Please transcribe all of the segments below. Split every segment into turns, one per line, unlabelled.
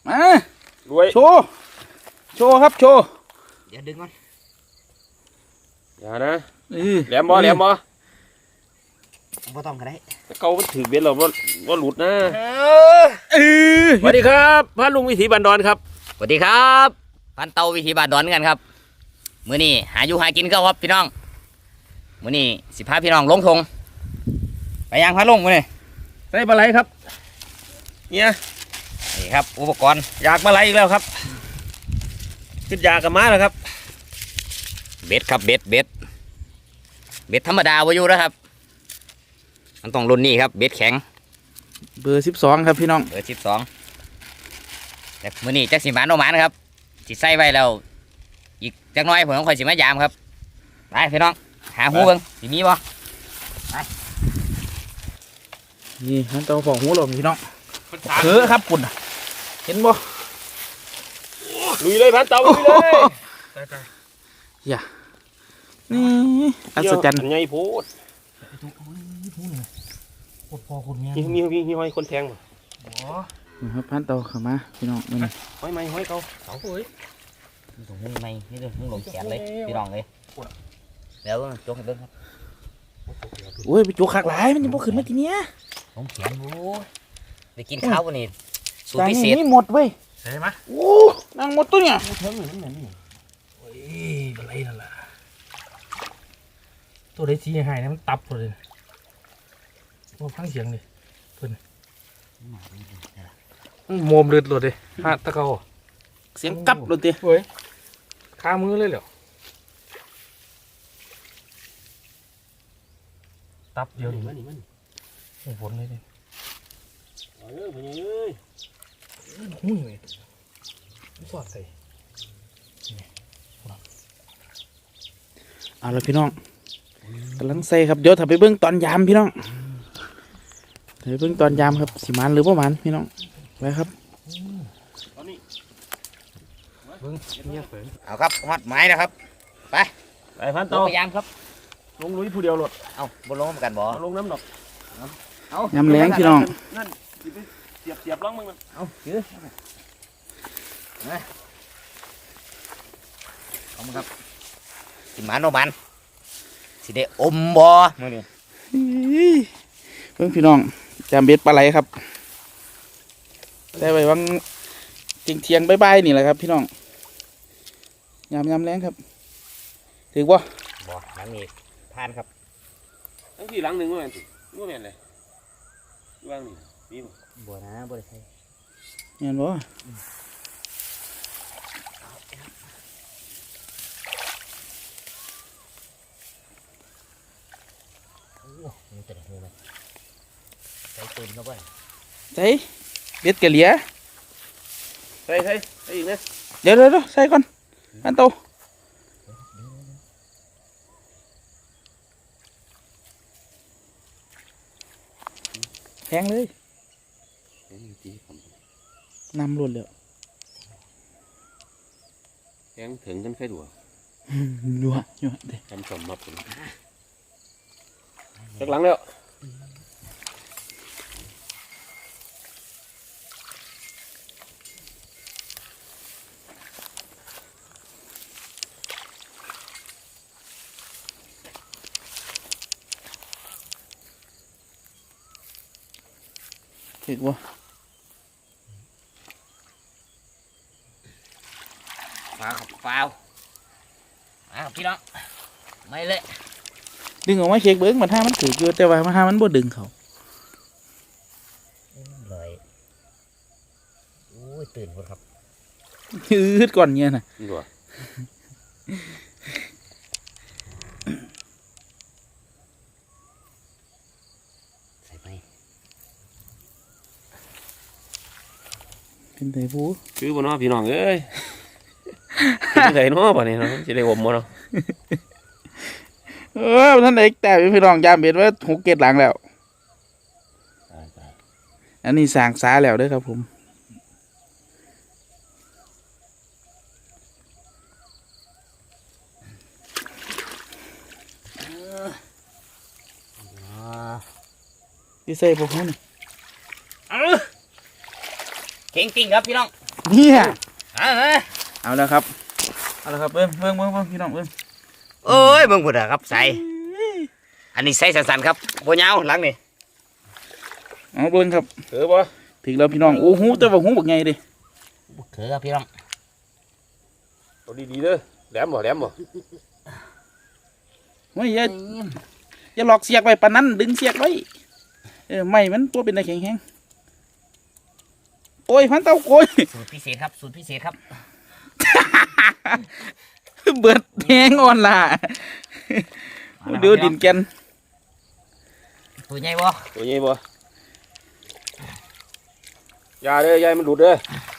มารวยโชว์ครับโชว์
เดี๋ยวดึงมัน
อย่านะแหลมบ่
บ่ต้องก็ได้
เขาถือเบ็ดเราว่าหลุดนะสวัสดีครับพระลุงวิถีบันดอนครับ
สวัสดีครับพันเตาวิถีบาดดอนกันครับมื้อนี้หาอยู่หากินก็ครับพี่น้องมื้อนี้สิพาพี่น้องลงทงไปยังพาลงมื้อนี้
ใส่ปลาไหลครับเนี่ย
นี่ครับอุปกรณ์
อยากปลาไหลอีกแล้วครับขึ้นยากับม้าแล้วครับ
เบ็ดครับเบ็ดธรรมดาบ่อยู่นะครับมันต้องรุ่นนี้ครับเบ็ดแข็ง
เบอร์12ครับพี่น้อง
เบอร์12แต่มื้อนี้จักสิหมานโนหมานครับสิใส่ไว้แล้วอีกจักหน่อยผมค่อยสิมายามครับไปพี่น้องหาหูเบิ่งสิมีบ่ไป
นี่มันต้องของหูหลงพี่น้องครับปุ่นเห็นบ่
ลุยเลยพันเตาลุยเลย
อย่านี่อัศจรรย์
ไงพูดมีห้อยคนแทงบ่
ครับพันเตาเข้ามาพี่น้องนี่
ห้อยไม้ห้อยเขา
เฮ้ยนี่ตรงนี้ไม่นี่ตรงหลงแขนเลยพี่น้องเลยแล้วจกให้เบิ่งครับ
โอ้ยไปจุกขากหลายมันจะบ่ขึ้นมาทีเนี้ย
หลงแขนโอ้ยไปกินข้าววันนี้สูตรพิเศษ
นี่หมดเว้ย
ใช่ไหม
โอ้นางหมดตัวเนี่ย
เทิงเหมือนนี่โอ้ยอะไรนั่นล่ะตัวได้ชี้หายนะมันตับเลยว่าฟังเสียงดิเพิ่นโมมเลือดหลุดเลยฮะตะเกา
เสียงกับหลุดดิ
เฮ้ยคามือเลยเหรอตับเดียวดิมันฝนเลยดิเอ้ยหุ้ยเลยสอดใส่
เอาละพี่น้องกำลังใส่ครับเดี๋ยวถ้าไปเบิ้งตอนยามพี่น้องไปเบิ้งตอนยามครับสิมันหรือประมาณพี่น้องไปครับ
เอาครับวัดไม้นะครับไป
พันโต
พยายามครับ
ลงลุยผู้เดียวหลด
เอาบนลงกันบ่
ลงน้ำดอก
เอายำแรงพี่น้อง
นั่นเสียบล่องมึงมัน
เอาถือเอามาครับสิมันโนมันสิได้อมบ่มื้อนี้
เพิ่งพี่น้องจำเบ็ดปลาไหลครับได้ไว้วังเที่ยงใบนี่แหละครับพี่น้องยำแรงครับถือบ่
หลังนี้ทานครับ
ทั้งที่หลังหนึ่งว่าแม่นเลยว่างนี่มี
บ่นะบ่ได้ใช่
เห็นบ่
นี่ตัวนี้เลยใส่ปืนเข้าไป
ใส่เบ็ดกะเหลีย
ใส่อีกนะ
เดี๋ยวใส่ก่อนอันโตแทงเลยนำรุนเลย
แทงถึงกันแค่ดัว
ยัวเด็ก
ทำสมมาผมจากหลังแล้ว
ถือว่า
ฟาวพี่น้องไม่เลย
ดึงออกมาเช็คเบิ้งมันถ้ามันถือเยอะแต่ว่าถ้ามันบ่ดึงเขา
เลยโอ้ยตื่นหมดครับ
ยืดก่อนเนี่ยนะ
ใส่ไป
เป็นไงผู้
คือบนน้อพี่น้องเอ้ยเป็นไงน้อป่ะเนี่ยจะได้อมมั้งเนาะ
ท่านเอกแต่พี่น้องยามเบ็ดว่า6 เกตหลังแล้วอันนี้สางสาแล้วด้วยครับผมที่ใส่พวกเขาเนี่ย
เก่งจริงครับพี่น้อง
เนี่ย
เอาเลย
เอาแล้วครับเอาแล้วครับเบิ้งพี่น้องเบิ้ง
โอ้ยเบิ่งพุ่นอะครับใส่อันนี้ใส่สั้นๆครับบ่ยาวหลังนี่
เอาเบิ้งครับ
เออบ่
ถึงแล้วพี่น้องโอ้หูแต่ว่าหูบักใหญ่ดิ
เถือครับพี่น้อง
เอาดีๆเด้อแหลมบ่
เฮ้ยอย่าหลอกเสียกไว้ปานนั้นดึงเสียกไว้ไม่มันตัวเป็นอะไรแข็งแข็งโอ้ยพันเต้าโกย
สูตรพิเศษครับสูตรพิเศษครับ
เบิดแหงอ่อนล่ะเดือดินแกน
ตัวใหญ่บ่
ตัวใหญ่บ่อย่าเด้อยายมันหลุดเด้อ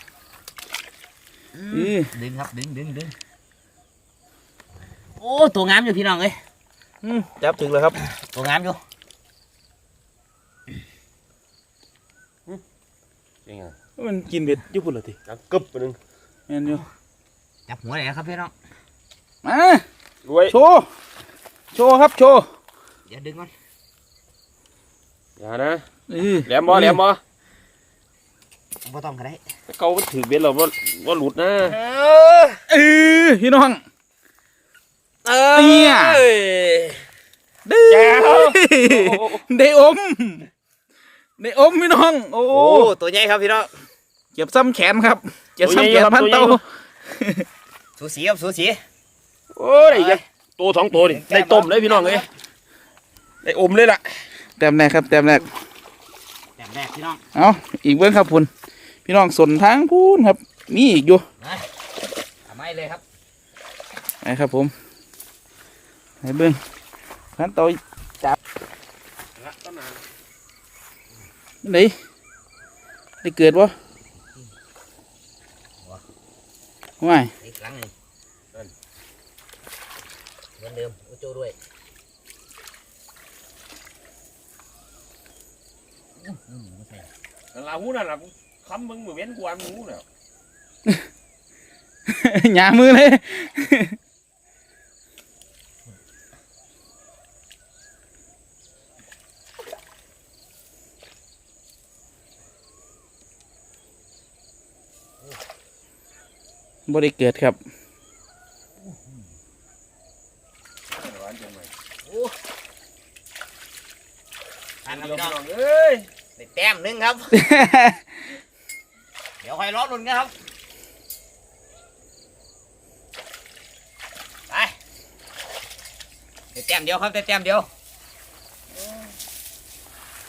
ดึงครับดึงโอ้ตัวงามอยู่พี่น้องเอ้ย
จับถึงแล้วครับ
ตัวงามอยู่
ยังไง
มันกินเบ็ดญี่ปุ่นเหรอที
ดังกึบไปนึง
แม่นอยู่
จับหัวเลยครับพี่น้อง
มาร
วย
โชว์ครับโชว์
อย่าดึงมัน
อย่านะ
เออ
แหลมบ่
บ่ต้องก็ได้
เกามันถือเบ็ดเราว่าหลุดนะ
พี่น้อง
เนี่ย
ดื้อได้อมพี่น้องโอ้
โอ้ตัวใหญ่ครับพี่น้อง
เจ็บซ้ำแขนครับเจ็บซ้ำแขนพันเต้า
สูสีครับสูสี
โอ้ยได้ตัวสองตัวนี่ได้ต้มเลยพี่น้องเอ้ยได้อมเลยล่ะ
แต้มแรกครับแต้มแรก
แบบแรกพี่น้อง
เอาอีกเบื้องครับพุ่นพี่น้องสนทางพูนครับมีอีกอยู่
นะทำไมเลยครับ
ไปครับผมไปเบื้องพันเต้าจับไหนได้เกิดวะว้าย
อีกครั้งหนึ่งเหมือนเดิมโอโจ้ด้วย
ลาหูนั่นล่ะคำมึงเหมือนเว้นกวนมึงแล้ว
หยามือเลย บ่ได้เกิดครับ
อันครับพี่น้อง
เอ้ย
ได้แต้มหนึงครับ เดี๋ยวคอยรอลุ้นกันครับไปได้แต้มเดียวครับได้แต้มเดียว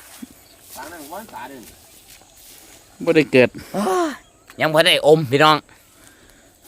ตานั่งวันตาเดิน
บ่ได้เกิด
ยังพอได้อมพี่น้อง